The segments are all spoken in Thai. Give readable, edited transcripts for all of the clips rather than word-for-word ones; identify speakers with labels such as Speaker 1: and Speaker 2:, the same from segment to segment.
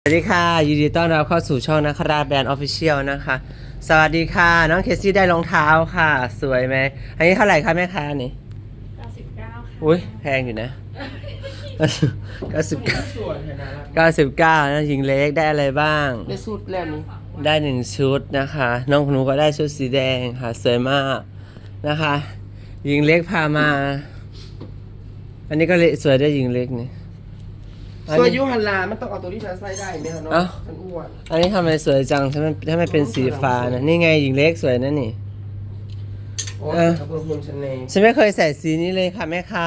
Speaker 1: สวัสดีค่ะยินดีต้อนรับเข้าสู่ช่องนักคราชแบรนด์ออฟฟิเชียลนะคะสวัสดีค่ะน้องเคซี่ได้รองเท้าค่ะสวยไหมอันนี้เท่าไหร่คะแม่ค้านี่
Speaker 2: 99ค่ะ
Speaker 1: อุ้ยแพงอยู่นะ99
Speaker 3: สวยนะ
Speaker 1: 99นะหญิงเล็กได้อะไรบ้าง
Speaker 3: ได้สุดแล้วนี่
Speaker 1: ได้1ชุดนะคะน้องหนูก็ได้ชุดสีแดงค่ะสวยมากนะคะหญิงเล็กพามา อันนี้ก็สวยได้หญิงเล็กนี่
Speaker 3: สวยยุหันลามันต้องเอาตัวที่ฉันใส่ได้ไหมคะน้องฉันอ้วน
Speaker 1: อันนี้ทำไมสวยจังถ้าไม่เป็นสีฟ้านะนี่ไงหญิงเล็กสวยนะนี่
Speaker 3: โอ้ยขอบคุณฉันเอง
Speaker 1: ฉันไม่เคยใส่สีนี้เลยค่ะแม่ค้า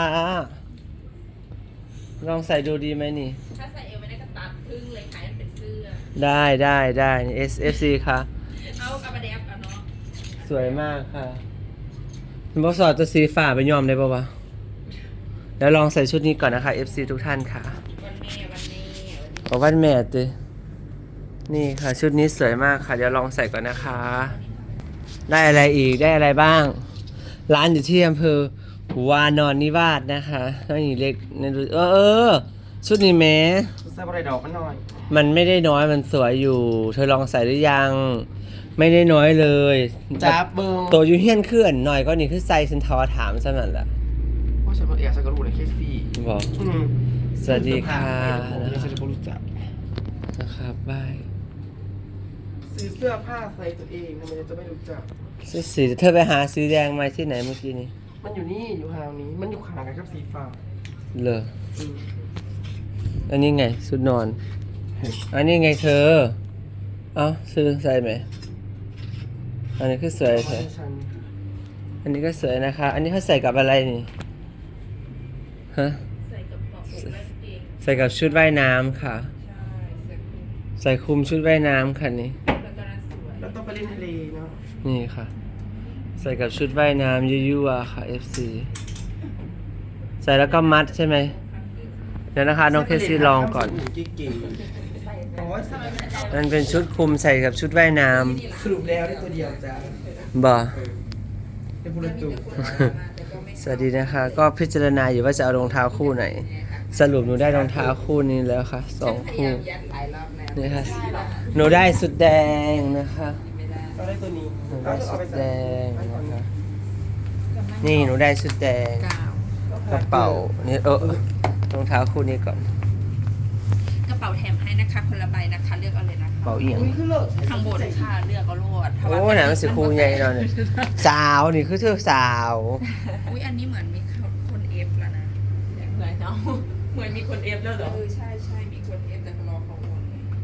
Speaker 1: ลองใส่ดูดีไหมนี่
Speaker 2: ถ้าใส่เอวไม่ได้ก็ตัดครึ่งเลยค่ะให้มันเป็นเสื้อ
Speaker 1: ได้นี่ SFC ค่ะ
Speaker 2: เอากระบะแดบเอาเนาะ
Speaker 1: สวยมากค่ะบอสอดตัวสีฟ้าไปยอมได้ปะวะแล้วลองใส่ชุดนี้ก่อนนะคะ FC ทุกท่านค่ะ
Speaker 2: วันแม่
Speaker 1: ขอวันแม่ตินี่ค่ะชุดนี้สวยมากค่ะเดี๋ยวลองใส่ก่อนนะคะ ได้อะไรอีกได้อะไรบ้าง ร้านอยู่ที่อำเภอวานอนนิวาสนะคะน้องหญิงเล็กนั่นดูชุดนี้แม้
Speaker 3: ใส่อะไรดอกมันหน่อย
Speaker 1: มันไม่ได้น้อยมันสวยอยู่ เธอลองใส่หรือยัง ไม่ได้น้อยเลย
Speaker 3: จับเบิ้ง
Speaker 1: ตัวยูเฮียนเคลื่อนหน่อยก็นี่คือไซส์ฉันทอถามซะนั่นแหละ
Speaker 3: ว่าฉันเป็นเอกฉันก็รู้ในเคสซี่
Speaker 1: บอกสวัสดีค่ะ
Speaker 3: ฉันจะรู้จัก
Speaker 1: นะครับบาย
Speaker 3: ซื้อเสื้อผ้าใส่ตัวเองทำไมจะไม่รู้จัก
Speaker 1: สีเธอไปหาสีแดงมาที่ไหนเมื่อกี้นี้
Speaker 3: มันอยู่นี่อยู่ห่างนี้มันอยู่ห่างกันกับสีฟ้า
Speaker 1: เหรออันนี้ไงชุดนอน อันนี้ไงเธอ เอ้าซื้อใส่ไหมอันนี้คือสวยเธอ
Speaker 3: ฉัน
Speaker 1: อันนี้ก็สวยนะคะ อันนี้เขาใส่กับอะไรนี่ ฮะ
Speaker 2: ใส่กับเกาะอกและเอง
Speaker 1: ใส่กับชุดว่ายน้ำค่ะ
Speaker 2: ใช่ใส่คลุม
Speaker 1: ใส่คลุมชุดว่ายน้ำค่ะนี่
Speaker 2: แล้วก็น่าสวย
Speaker 3: แล้วต้องไปเล่นทะเลเนาะ
Speaker 1: นี่ค่ะ ใส่กับชุดว่ายน้ำยั่วๆค่ะ FC ใส่แล้วก็มัดใช่ไหม เดี๋ยวนะคะน้องเคซี่ลองก่อน
Speaker 3: เก๋ๆโอ้ยใส่
Speaker 1: มันเป็นชุดคลุมใส่กับชุดว่ายน้
Speaker 3: สรุปแล้วได้ตัวเดียวจ้า
Speaker 1: ำบ่
Speaker 3: เป็นบุรุษตุ
Speaker 1: สวัสดีนะคะ ก็พิจารณาอยู่ว่าจะเอารองเท้าคู่ไหน สรุปหนูได้รองเท้าคู่นี้แล้วค่ะ2คู่
Speaker 2: ยัดหลายรอบแล้ว
Speaker 1: นี่ค่ะหนูได้สุดแดงนะคะ
Speaker 3: เราได้ตัวนี้
Speaker 1: หนูได้สุดแดงนะคะนี่หนูได้สุดแดง
Speaker 2: กาว
Speaker 1: กระเป๋านี่รองเท้าคู่นี้ก่อน
Speaker 2: กระเป๋าแถมให้นะคะคนละใบนะคะเลือกเอาเลยนะ
Speaker 1: กระ
Speaker 2: คะ
Speaker 1: เป๋าเอียง
Speaker 3: อุ้ยขึ้นเลิศ
Speaker 2: ข้างบนค่ะเลือกเอาโลด
Speaker 1: โอ้หนามันสิคูใหญ่หน่อยสาวนี่คือเธอสาว
Speaker 2: อุ้ยอันนี้เหมือนมีคนเอฟแล้วนะเหมือนเนาะเหมือนมีคนเอฟแล้วเหรอใช่มีคนเอฟแต่รอเขาโอน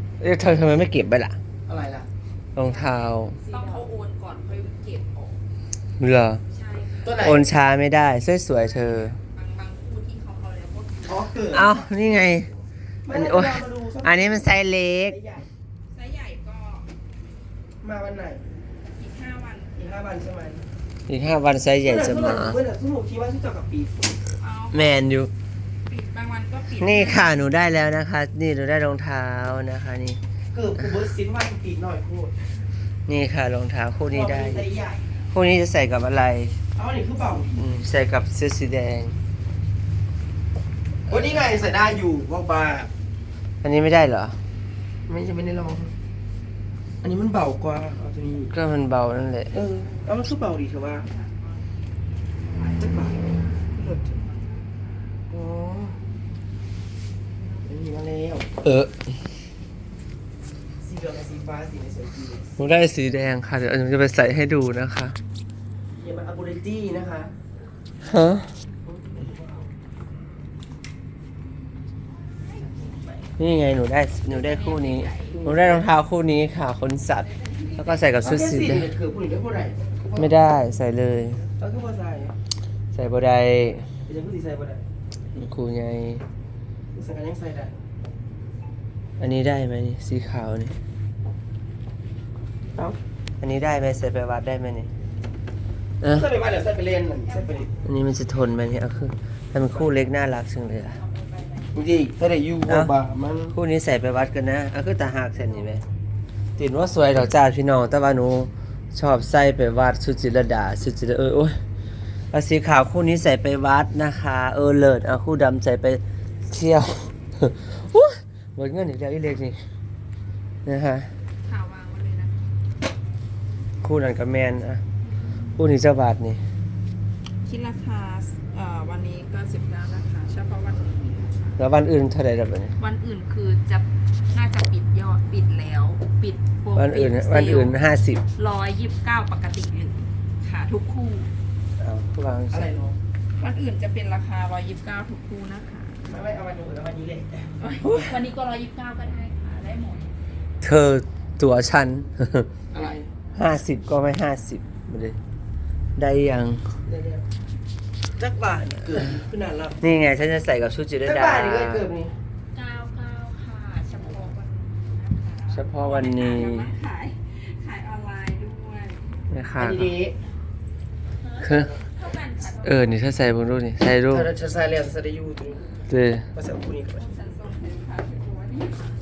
Speaker 1: เธอทำไมไม่เก็บไปล่ะ
Speaker 3: อะไรล่ะ
Speaker 1: รองเท้า
Speaker 2: ต้องเขาโอนก่อนค่อยเก็บออก
Speaker 1: เหรอ
Speaker 2: ใช่
Speaker 3: ตัวไหน
Speaker 1: โอนช้าไม่ได้สวยๆเธอ
Speaker 2: บางคู่ที่เขาเอาแล้วก็
Speaker 3: อ๋อเกิด
Speaker 1: เอ้านี่ไง
Speaker 3: ไม่
Speaker 1: อัน
Speaker 3: ได้
Speaker 1: โอ้ย
Speaker 3: มาดูสัก
Speaker 1: อันนี้มันไซส์เล็ก
Speaker 3: ใหญ่
Speaker 2: ไซส์ใหญ่ก็
Speaker 3: มาวันไหน
Speaker 2: อีก5 วัน
Speaker 3: อีก5 วันใช่ไหม
Speaker 1: อีก5 วันไซส์ใหญ่จะมา
Speaker 3: เมื่อไหร่สนุกที่ว่าที่เจอกับปี
Speaker 2: เอา
Speaker 1: แมนอยู่
Speaker 2: ปิดบางวันก็ปิด
Speaker 1: นี่ค่ะหนูได้แล้วนะคะ นี่หนูได้รองเท้านะคะนี่
Speaker 3: เกือบกูเบิร์ดซินว่าปีหน่อยพูด
Speaker 1: นี่ค่ะรองเท้าคู่นี้ได้
Speaker 3: ใส่ใหญ่
Speaker 1: คู่นี้จะใส่กับอะไร
Speaker 3: เอาอันนี้คือเบา
Speaker 1: ใส่กับเสื้อสีแดง
Speaker 3: วันนี้ไงใส่ได้อยู่ว่าบ้า
Speaker 1: อันนี้ไม่ได้เหรอ
Speaker 3: ไม่ได้ลองอันนี้มันเบากว่าเอาตัวนี้
Speaker 1: ก็มันเบานั่นแหละ
Speaker 3: แล้วมันคือเบาดีเถอะว่าจะเบาเลิศอ๋อนี่มาแล้ว สีเหลืองกับสีฟ้าสีในสวยจริง
Speaker 1: หนูได้สีแดงค่ะ เดี๋ยวหนูจะไปใส่ให้ดูนะคะ
Speaker 3: อย่ามาอับูเรตี้นะคะ
Speaker 1: ฮะ นี่ไงหนูได้คู่นี้ หนูได้รองเท้าคู่นี้ค่ะขนสัตว์ แล้วก็ใส่กับชุดสีแดง
Speaker 3: คือผู้หญิงได้ผู้ใด
Speaker 1: ไม่ได้ใส่เลย
Speaker 3: แล้วก็มาใส่
Speaker 1: ใส่บได
Speaker 3: เป็นยังผู้สีใส่บ่ได้
Speaker 1: ครูไง
Speaker 3: ใส่กันยังใส่ได้
Speaker 1: อันนี้ได้ไหมนี่สีขาวนี่
Speaker 3: เอ้า
Speaker 1: อันนี้ได้ไหมใส่ไปวัดได้ไหมนี่
Speaker 3: ใส่ไปบ้านเดี๋ยวใส่ไปเล่นนั่นใส่ไปดิ
Speaker 1: อันนี้มันจะทนไหมเนี่ยเอาคือให้มันคู่เล็กน่ารักจังเลยอะ
Speaker 3: จริงๆใส่ได้อยู่ว่าบ้ามัน
Speaker 1: คู่นี้ใส่ไปวัดกันนะเอาคือตาหักเส้นนี่ไหมติดว่าสวยดอกจ้าพี่น้องแต่ว่าหนูชอบใส่ไปวัดสุจิรดาสุจิรโอ้ยเอาสีขาวคู่นี้ใส่ไปวัดนะคะเลิศเอาคู่ดำใส่ไปเที่ยว อุ๊ยหมดเงินอีกแล้วอีเล็กนี่นะคะ
Speaker 2: ข่าววางไว้เลยนะ
Speaker 1: คู่นั้นกับแมนอ่ะคู่นี้เจ้าบาทนี่
Speaker 2: คิดราคาวันนี้ก็19นะคะเฉพาะวันนี้นะคะ
Speaker 1: แล้ววันอื่นเท่าไหร่ดับเนี่ย
Speaker 2: วันอื่นคือจะน่าจะปิดยอดปิดแล้วปิดโปร
Speaker 1: วันอื่น
Speaker 2: ปิดเซลล์
Speaker 1: วันอื่น50
Speaker 2: 129ปกติเลยค่ะทุกคู่
Speaker 1: เอาวาง
Speaker 3: อะไรเนาะ
Speaker 2: วันอื่นจะเป็นราคา129ทุกคู่นะคะ
Speaker 3: ไม่เอาวันอื่นแล้ววันนี้เลย
Speaker 2: วันนี้ก็129ก็ได้ค่ะได้หมด
Speaker 1: เธอตัวฉัน
Speaker 3: อะไร
Speaker 1: 50 ก็ไม่ 50ไม่ได้ได้ยัง
Speaker 3: เดี๋ยวจักบาทเกือบขึ้นนานแล้ว
Speaker 1: นี่ไงฉันจะใส่กับชุดจิร
Speaker 3: จัก
Speaker 1: ดา
Speaker 3: บาทนี่ก็เกือบนี่
Speaker 2: 99ค่ะเฉพาะวันนี้นะคะ
Speaker 1: เฉพาะวันนี้
Speaker 2: ยังไม่ขายออนไลน์ด้วย
Speaker 1: นะคะ
Speaker 3: อันนี้
Speaker 1: คือ
Speaker 2: เท่ากันค่ะ
Speaker 1: นี่ถ้าใส่บนรูปนี่ใส่รูป
Speaker 3: ถ้าจะใส่แล้วจะได้อยู่ตรงนี้
Speaker 1: เด้
Speaker 3: ภาษาคู่นี้ก็ได้
Speaker 2: ฉันส่งให้ค่ะพี่บัว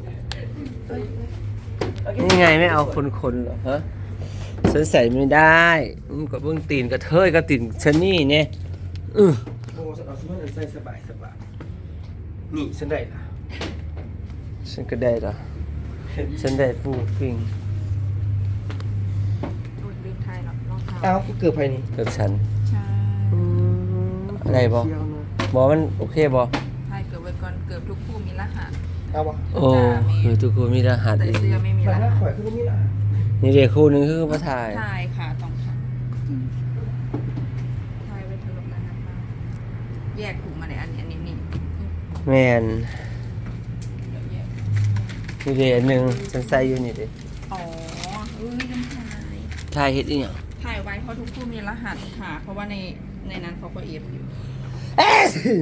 Speaker 2: นี่
Speaker 1: นี่ไงไม่เอาคนๆเหรอฮะฉันใส่ไม่ได้กับเบื้องตีนกระเทยกับตีนฉันนี่เนี่ย
Speaker 3: โอ้เอาสมมติใส่สบายนี่ฉันได้ละ
Speaker 1: ฉันก็ได้เหรอฉันได้ฟูฟิง
Speaker 2: โอ้ยลืมไทยหรอกรองเท้า
Speaker 3: เอ้ากูเกือบไปนี่
Speaker 1: กับฉัน
Speaker 2: ใช่
Speaker 1: อะไรบอ
Speaker 3: เที่ยวนะ
Speaker 1: บอกมันโอเคบอ
Speaker 2: ไทยเกือบไว้ก่อนเกือบทุกคู่มีรหัส
Speaker 3: เอาวะ
Speaker 1: โอ้คือทุกคนมีรหัส
Speaker 2: แต่
Speaker 1: อีก
Speaker 2: เสื้อไม่มี
Speaker 3: แต่
Speaker 2: ร
Speaker 3: ถ้า
Speaker 2: หัส
Speaker 3: ข่อยคือนี่ล่ะ
Speaker 1: นี่เด็กคู่หนึงคือมาถ่าย
Speaker 2: ไทยค่ะต้องค่ะไทยไว้ถล่มรหัสมาแยกถุงมาในอันนี้นี่
Speaker 1: แมน
Speaker 2: เดี๋ยวแยก
Speaker 1: นี่เด็กหนึ่งฉันใส่อยู่นี่เด็ก
Speaker 2: อ๋อลืมไทย
Speaker 1: ถ่ายเฮ็ดอีหยัง
Speaker 2: ถ่ายไว้เพราะทุกคู่มีรหัสค่ะ เพราะว่าในนั้นเขาก็เอฟอยู่
Speaker 1: เอ๊ะ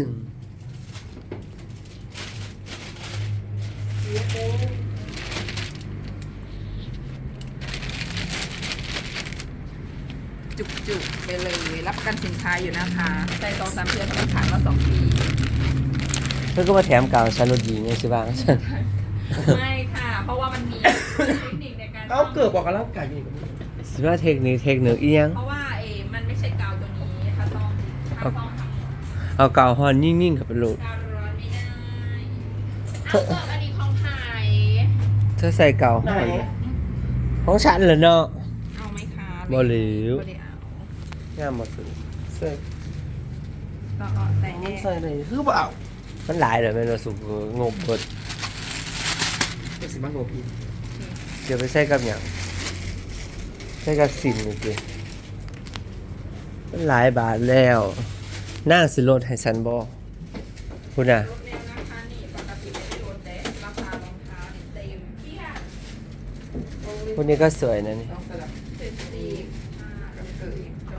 Speaker 2: จุกๆไปเลยรับประกันสินค้าอยู่นะคะใส่2-3เดือนต้องขายมา2 ปี
Speaker 1: เพื่อนก็มาแถมกาวฉันรถหญิงไงสิบ้างฉัน
Speaker 2: ไม่ค่ะ เพราะว่ามันมีเทคนิคในการ
Speaker 3: เอาเกือบบอกกันแล้วไก่อยู่นี่
Speaker 1: สิว่าเทคนิคอีหยัง
Speaker 2: เพราะว่ามันไม่ใช่กาวตัวนี้ถ้าซ่อมทำหมด
Speaker 1: เอากาวฮอนนิ่งๆกับเป็นโหลด
Speaker 2: กาวร้อนไม่ได้เอาเกิดอันนี้ของไทย
Speaker 1: เธอใส่กาวฮ
Speaker 3: ไหน
Speaker 1: อนของฉันเหรอเนาะ
Speaker 2: เอาไหมคะ
Speaker 1: บ่เหลว
Speaker 2: บ่ได้เอา
Speaker 1: งามหมดเลย
Speaker 3: ใส่
Speaker 2: ก็แต่แน่
Speaker 3: ใส่ไหนคือเปล่า
Speaker 1: มันหลายเลยแม่นว่าสุกงบเบิด
Speaker 3: เป็นสิบ้างโงพี่
Speaker 1: เดี๋ยวไปใส่กับหยังใส่กับสินนี่สิมันหลายบาทแล้วนั่งสิลดให้ฉันบ่พูดน่ะ
Speaker 2: รถแนวนะคะนี่ปกติไม่ได้ลดแต่ราคารองเท้านี่เต็มเปี้ย
Speaker 1: พวกนี้ก็สวยนะนี่
Speaker 3: ต้องสลับ
Speaker 2: เจ็ดสิบกับเกิ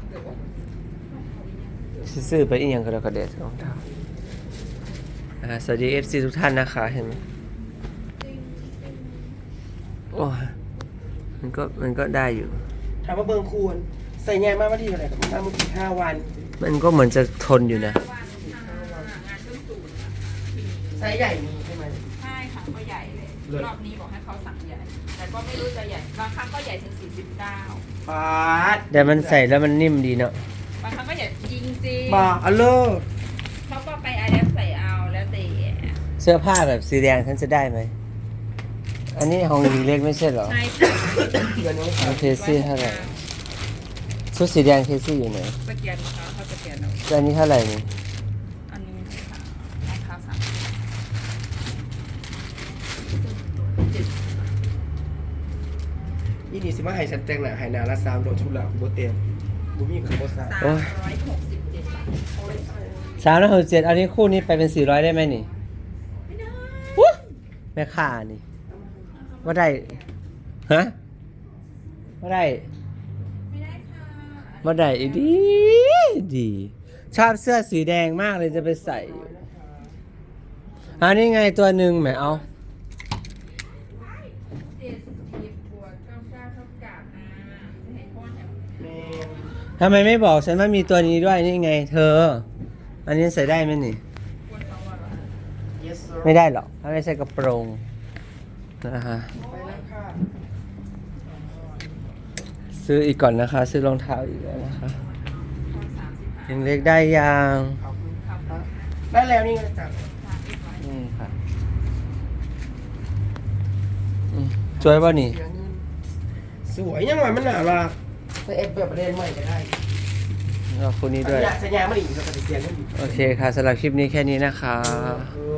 Speaker 2: ด
Speaker 1: ซื้อไปอีกอย่างก็แล้วก็เด็ดรองเท้าสวัสดี FC ทุกท่านนะคะเห็นไหมโอ้ยมันก็ได้อยู่
Speaker 3: ถามว่าเบิงคูณใส่ง่ายมากว่าที่อะไรกับน้ำมันกี่5 วัน
Speaker 1: มันก็เหมือนจะทนอยู่นะ
Speaker 2: วันค่ะงานเครื่องสูตรนะคะ
Speaker 3: ไซส์ใหญ่มีใช่ไหม
Speaker 2: ใช่ค่ะก็ใหญ่เลย
Speaker 3: เลิศ
Speaker 2: รอบนี้บอกให้เขาสั่งใหญ่ แต่ก็ไม่รู้จะใหญ่บางครั้งก็ใหญ่ถึง49
Speaker 3: ปาด
Speaker 1: แต่มันใส่แล้วมันนิ่มดีเนาะ
Speaker 2: บางครั้งก็ใหญ่จริง
Speaker 3: บาอัลเลอร์
Speaker 2: ๆเขาก็ไปอาแดปใส่เอาแล้วแต่
Speaker 1: เสื้อผ้าแบบสีแดงฉันจะได้ไหม อันนี้ของหญิงเล็กไม่ใช่เหรอ
Speaker 2: ใช่ค่ะ
Speaker 3: เดือนนี้
Speaker 1: ของเคซี่เท่าไหร่ชุดสีแดงเคซี่อยู่ไหน
Speaker 2: สแกนเขาสแกนเอา
Speaker 1: แล้วอันนี้เท่าไหร่นี่
Speaker 2: อันนี้ค่ะรองเท้าสาม70
Speaker 3: ยี่นี่สิมาให้ฉันแต่งหน้าให้นาละ3โดนชุดละโบเต็มบูมี่กับโบซ่า
Speaker 2: 367 บาทโอ้ย
Speaker 1: 367อันนี้คู่นี้ไปเป็น400ได้ไหมนี่
Speaker 2: ไม่ได้
Speaker 1: วู้แม่ค่านี่ว่าได้ฮะว่าได้
Speaker 2: ไม่ได้ค่ะ
Speaker 1: ว่าได้อีดีดีชอบเสื้อสีแดงมากเลยจะไปใส่อยู่อันนี้ไงตัวหนึ่งแหมเอา
Speaker 2: 70บวก99เท่ากับจะให้พ่อแถว
Speaker 1: ทำไมไม่บอกฉันว่ามีตัวนี้ด้วยนี่ไง เธอ อันนี้ใส่ได้ไหมนี่
Speaker 2: ควรเอาอะเหรอ
Speaker 3: yes sir
Speaker 1: ไม่ได้หรอกถ้าไม่ใส่กระโปรงนะฮะ
Speaker 3: ไปแล้วค่ะ
Speaker 1: ซื้ออีกก่อนนะคะ ซื้อรองเท้าอีกแล้วนะคะ
Speaker 2: พอ35
Speaker 1: ยังเล็กได้ยัง
Speaker 3: ขอบคุณ
Speaker 2: ครับ
Speaker 3: ครับได้แล้วนี่ไงจ้ะ
Speaker 1: นี่ค่ะอืมสวยป่ะนี่
Speaker 3: สวยยังไงมันหนารักไปเอฟแบบประเด็นใหม่ก็ได้
Speaker 1: แล้วคู่นี้ด้วย
Speaker 3: สัญญาไม่ดีเราปฏิเสธไม่ดี
Speaker 1: โอเคค่ะสำหรับคลิปนี้แค่นี้นะคะ